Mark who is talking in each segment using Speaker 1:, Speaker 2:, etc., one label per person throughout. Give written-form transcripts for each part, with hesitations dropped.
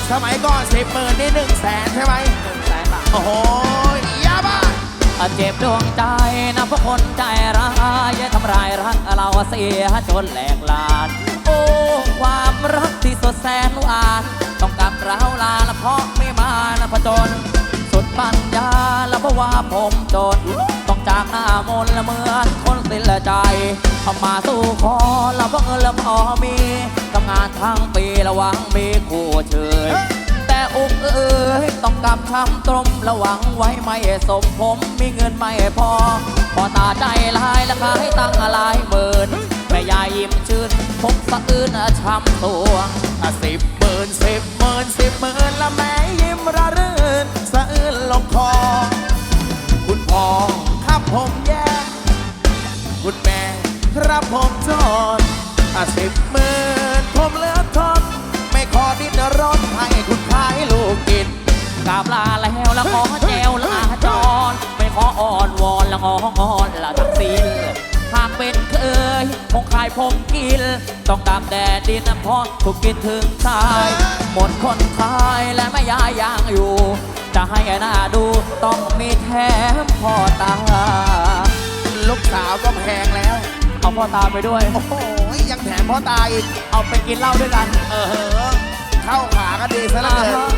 Speaker 1: สมัยก่อน10,000นี่100,000ใช่ไหม
Speaker 2: 100,000 บาท
Speaker 1: โอ้โหยาบ้า
Speaker 2: เจ็บดวงใจนะเพราะคนใจร้ายทำร้ายรักเราเสียจนแหลกลานโอ้ความรักที่สดแสนหวานต้องกลับเราลาละเพราะไม่มานะผจญสุดปัญญาแล้วเพราะว่าผมจนต้องจากหน้ามนต์ละเหมือนคนสิ้นใจเข้ามาสู้ขอแล้วเพราะเงินละพอมีทำงานทั้งปีระวังมีคู่เชยแต่อกต้องกลับช้ำตรมระวังไว้ไม่สมผมมีเงินไม่พอพอตาใจลายและขายตั้งหลายหมื่นแม่ยายยิ้มชื่นผมสะอื้นช้ำตัว
Speaker 1: 10,000 10,000 10,000ละแม่ยิ้มระรื่นสะอื้นลงคอคุณพ่อครับผมแย่คุณแม่ครับผมจน10,000ผมเหลือทนไม่ขอดิ้นรนให้คุณขายลูกกิน
Speaker 2: กราบลาแล้วละขอแจวลาจรไม่ขออ่อนวอนละงอนละทักษิณหากเป็นเคยคงขายผมกินต้องตามแดดดินเพราะถูกกินถึงตายหมดคนขายและไม่ย้ายยังอยู่จะให้หน้าดูต้องมีแถมพ่อตา
Speaker 1: ลูกสาวก็แพงแล้ว
Speaker 2: เอาพ่อตาไปด้วย
Speaker 1: โอ้โหยังแถมพ่อตาอีก
Speaker 2: เอาไปกินเหล้าด้วยกัน
Speaker 1: เข้าขาก็ดีซะแล้วเลย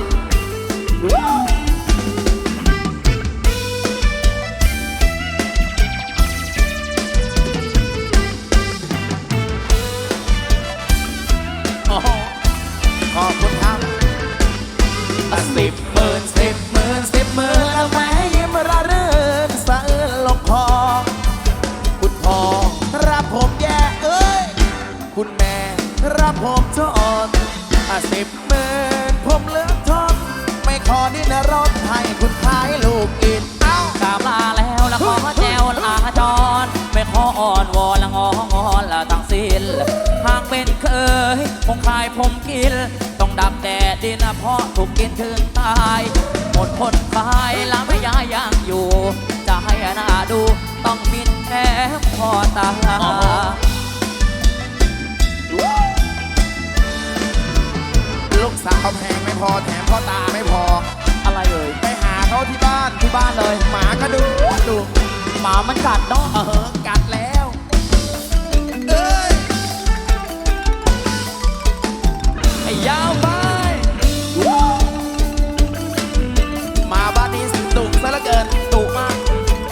Speaker 1: ขอบคุณครับ10,000 10,000 10,000แล้วแม่ยิ้มระรื่นสะอื้นลงคอคุณพ่อรับผมแย่คุณแม่รับผมจน10,000ผมเหลือทนไม่ขอดิ้นรนให้คุณขายลูกกิน
Speaker 2: กราบลาแล้วละขอแจวลาจรไม่ขออ่อนวอนละงอนละทั้งสิ้นหากเป็นเคยคงขายผมกินต้องดับแดดดินเพราะถูกกินถึงตายหมดคนขายแล้วไม่ย้ายยังอยู่จะให้หน้าดูต้องมินแถมพ่อตา
Speaker 1: ลูกสาวแพงไม่พอแถมพ่อตาไม่พอ
Speaker 2: อะไร
Speaker 1: ไปหาเขาที่บ้าน
Speaker 2: เลย
Speaker 1: หมาก็ดู
Speaker 2: หมามันกัดเนาะ
Speaker 1: กัดแล้ว
Speaker 2: ไอ้ยาวไป
Speaker 1: มาบ้านนี้ดุซะเหลือเกินดุมาก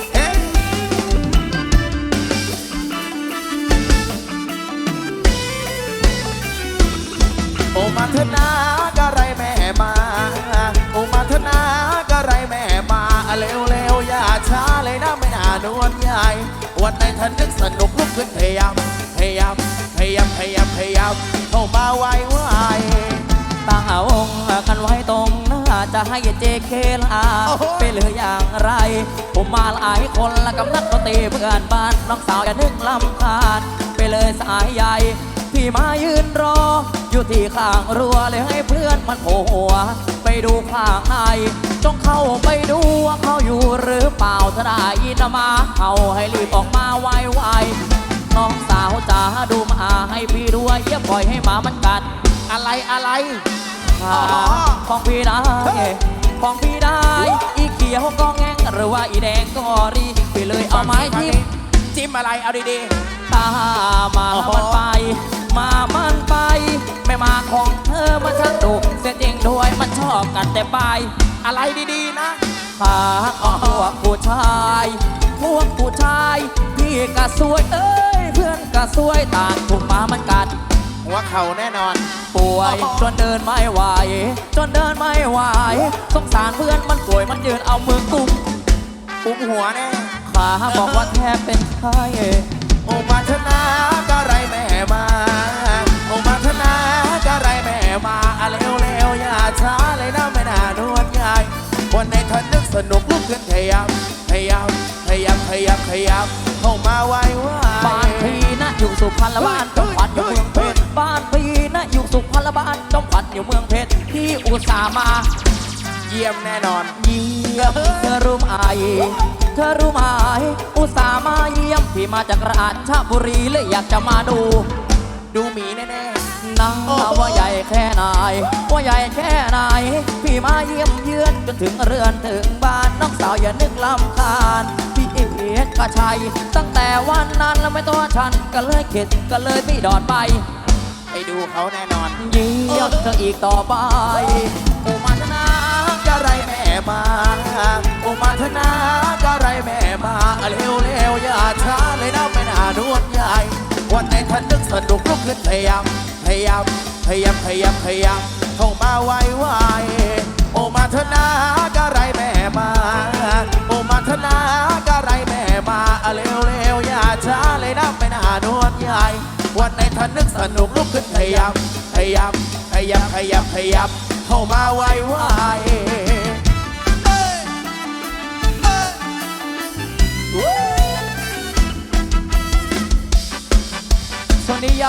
Speaker 1: โอ้มาเถอะนะก็ไรแม่มาโอ้มาเถอะนะก็ไรแม่มาเร็วอย่าช้าเลยนะไม่น่านวลใหญ่วันไหนท่านนึกสนุกลุกขึ้นพยายามเข้ามาไว
Speaker 2: ตั้งเอาองค์กันไว้ตรงหน้าจะให้เจเคลาไปเหลืออย่างไรผมมาหลายคนละกำนัดก็ตีเพื่อนบ้านน้องสาวอย่านึกลำคาญไปเลยสายใหญ่ที่มายืนรออยู่ที่ข้างรั้วเลยให้เพื่อนมันโผล่หัวไปดูข้างในจงเข้าไปดูว่าเขาอยู่หรือเปล่าถ้าได้ยินมาเขาให้รีบออกมาไวน้องสาวจ๋าดูมาให้พี่ด้วยอย่าปล่อยให้หมามันกัด
Speaker 1: อะไร
Speaker 2: ของพี่ได้ของพี่ได้อีเขียวก็แง่งหรือว่าอีแดงก็รีพี่เลยเอาไม้
Speaker 1: จิ้มอะไรเอาดี
Speaker 2: ๆตามามันไปไม่มาของเธอมันช่างดุเสียจริงด้วยมันชอบกันแต่ปลาย
Speaker 1: อะไรดีๆนะ
Speaker 2: ขาพวกผู้ชายพี่ก็สวยเพื่อนก็สวยต่างถูกหมามันกัด
Speaker 1: หัวเข่าแน่นอน
Speaker 2: ป่วยจนเดินไม่ไหวสงสารเพื่อนมันป่วยมันยืนเอามือกุม
Speaker 1: หัวแน่
Speaker 2: ขาบอกว่าแทบเป็นไข้
Speaker 1: โอ้มาเถอะนะก็ไรแม่มาโอ้มาเถอะนะก็ไรแม่มาเร็วอย่าช้าเลยนะไม่น่านวลใหญ่วันไหนท่านนึกสนุกลุกขึ้นพยายามเข้ามาไว
Speaker 2: บ้านพี่นะอยู่สุพรรณบ้านจอมขวัญอยู่เมืองเพชรบ้านพี่นะอยู่สุพรรณบ้านจอมขวัญอยู่เมืองเพชรที่อุตส่าห์มา
Speaker 1: เยี่ยมแน่นอน
Speaker 2: เยี่ยมเธอรู้ไหมอุตส่าห์มาเยี่ยมพี่มาจากราชบุรีเลยอยากจะมาดู
Speaker 1: ดูหมีแน่
Speaker 2: นะว่าใหญ่แค่ไหนว่าใหญ่แค่ไหนพี่มาเยี่ยมเยือนจนถึงเรือนถึงบ้านน้องสาวอย่านึกลำคาญพี่เอกชัยตั้งแต่วันนั้นแล้วไม่ตัวฉันก็เลยเข็ดก็เลยไม่ดอดไป
Speaker 1: ไปดูเขาแน่นอน
Speaker 2: เยี่ยมเธออีกต่อไป
Speaker 1: โอมาธนากะไรแม่มาโอมาธนากะไรแม่มาเร็วเร็วอย่าช้าเลยนะไม่น่านวดใหญ่วันไหนท่านนึกสนุกลุกขึ้นพยายามพยายามพยายามพยายามพยายามเข้ามาไวไวโอมาธนากะไรแม่มาโอมาธนากะไรแม่มาเร็วเร็วอย่าช้าเลยนะไม่น่านวดใหญ่วันไหนท่านนึกสนุกลุกขึ้นพยายามพยายามพยายามพยายามพยายามเข้ามาไวไว
Speaker 2: ส่วนนี้